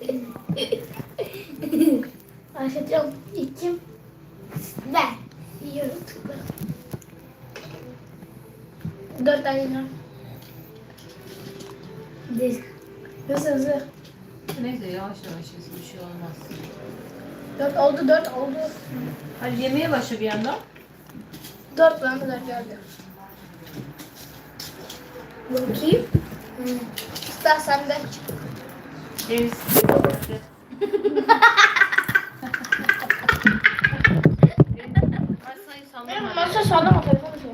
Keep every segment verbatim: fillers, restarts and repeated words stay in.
Başlatıyorum. İçim. Ben. Yiyorum. Tıkla. Dört tane yiyorum. Değil. Hızlı hızlı. Neyse yavaş yavaş yesin, bir şey olmaz. Dört oldu, dört oldu. Hadi yemeğe başla bir yandan. Dört bana kadar geldi. Bakayım. Hmm. Usta sen de. Deniz. Masayı Benim sallama. masa sallama telefonu şey.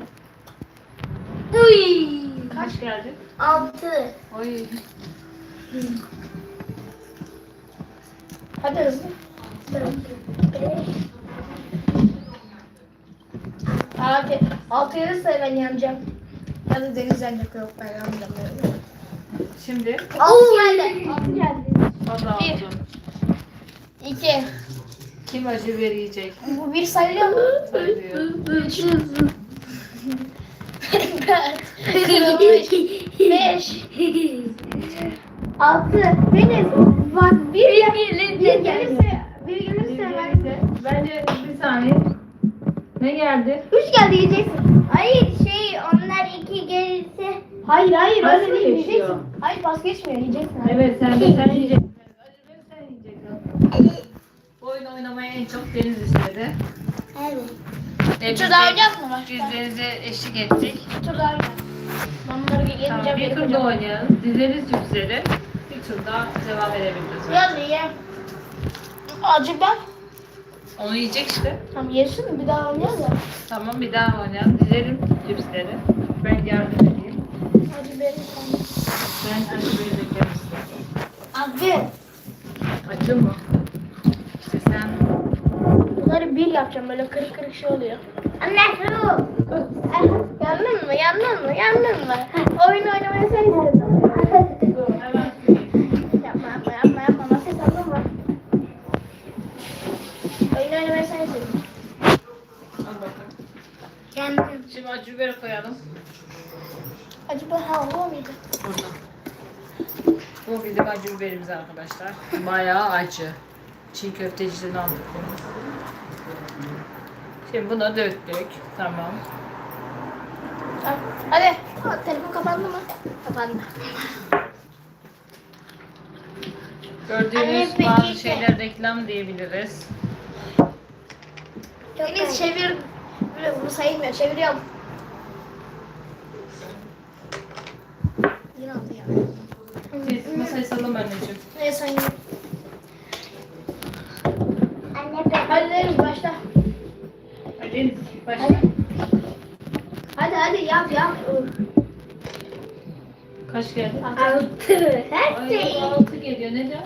Uy. Kaç geldi? Altı. Oy. Hadi hızlı. Abi altı gelirse ben yanacağım. Ya da Deniz yanacak, yok ben yanmayacağım. Şimdi Altı geldi. Altı geldi. fazla Bir. oldu. İki. Kim acı verecek? Bu bir sayılıyor mu? Sayılıyor. Üç. Dört. Kırılmış. Beş. Altı. Deniz. Bak bir, bir, bir gelirse. Bir gelirse ben. Neyse, bence bir saniye. Ne geldi? Üç geldi yiyeceksin. Hayır şey onlar iki gelirse Hayır hayır Pas öyle mı değil geçiyor? yiyeceksin. Hayır pas geçmiyor yiyeceksin. Evet, sen de sen yiyeceksin. Acı ver, sen yiyeceksin. Bu oyunu oynamaya en çok Deniz istedi. evet. E, biz Tur de- daha oynayacak mı Biz başka? Deniz'e eşlik ettik. Tur daha oynayacak. Ben bunları Tamam, yemeyeceğim. bir tur yapacağım. daha oynayalım. Dizeriz yüzleri. Bir tur daha devam edebiliriz. Biraz ye. Acı ben. Onu yiyecek işte. Tamam yesin bir daha oynayalım da. Tamam, bir daha oynayalım. Dizelim cipsleri. Ben yardım edeyim. Acı benim sana. Ben acı vereceklerim istedim. Abi. Acı mı? İşte sen... Bunları bir yapacağım böyle kırık kırık şey oluyor. Anne su. Yandın mı? Yandın mı? Yandın mı? Oyun oynamayı sen istedin. Dur, hemen söyleyeyim. Yapma yapma yapma yapma. Nasıl sandın mı? Oyun oynamayı sen istedin. Al bakalım. Kendim. Şimdi acı biberi koyalım. Acaba hava mıydı? Burada. Bu bizim acı biberimiz arkadaşlar. Bayağı acı. Çiğ köfteciden aldık bunu. Şimdi buna döktük. Tamam. Tamam. Hadi. Aa, telefon kapandı mı? Kapandı. Gördüğünüz Anne, peki bazı ki- şeyler reklam diyebiliriz. Deniz çevir. Böyle bunu sayılmıyor. Çeviriyorum. Yine aldı ya. Siz masayı salın anneciğim. Ne sayayım? Anne ben. Hadi Deniz başla. Hadi başla. Hadi. Hadi hadi yap yap. Kaç geldi? Altı. Her Ay, şey. altı geliyor. Neden?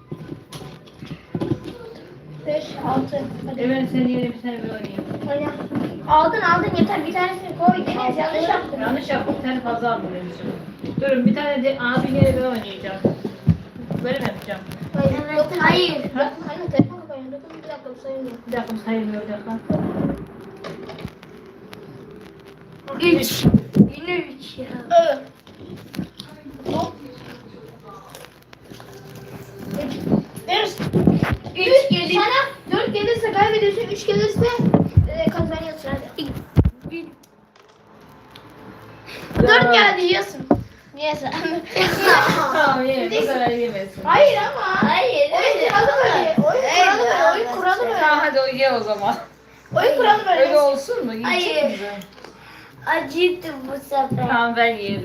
Beş, altı. Hadi. Evet, sen yeni bir tane bir oynayayım. Oyna. Aldın aldın yeter bir tanesini koy. Deniz yanlış yaptın. Yanlış yaptım. Bir tane fazla aldım demişim. Durun, bir tane de abi yine bir oynayacağım. Böyle mi yapacağım? Hayır. Evet, Dokun. hayır. Dokun. Hayır telefon kapanıyor. Dokun bir dakika bu sayılmıyor. Bir dakika, bu sayılmıyor. Bir dakika. Üç. Yine üç ya. Evet. Hop. Üç. Deniz. Üç gelirse. Sana dört gelirse kaybediyorsun. Üç gelirse e, kazanıyorsun hadi. Dört geldi yiyorsun. Yiyorsun. Tamam, ye. Bu kadar yemesin. Hayır ama. Hayır. Oyun kuralı böyle. Oyun kuralı böyle. Oyun kuralı Tamam, böyle. hadi o ye o zaman. Oyun kuralı böyle. Öyle olsun mu? Hayır. Yiyecek misin? Acıydı bu sefer. Tamam, ben yiyelim.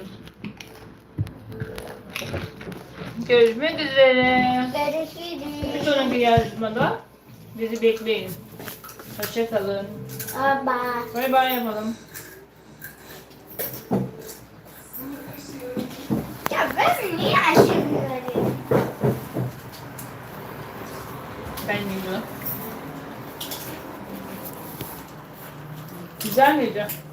Görüşmek üzere. Bir Görüşürüz. sonraki yarışmada bizi bekleyin. Hoşça kalın. Baba. Bay bay yapalım. Ya ben niye aşırıyorum? Ben yiyorum. Güzel miydi?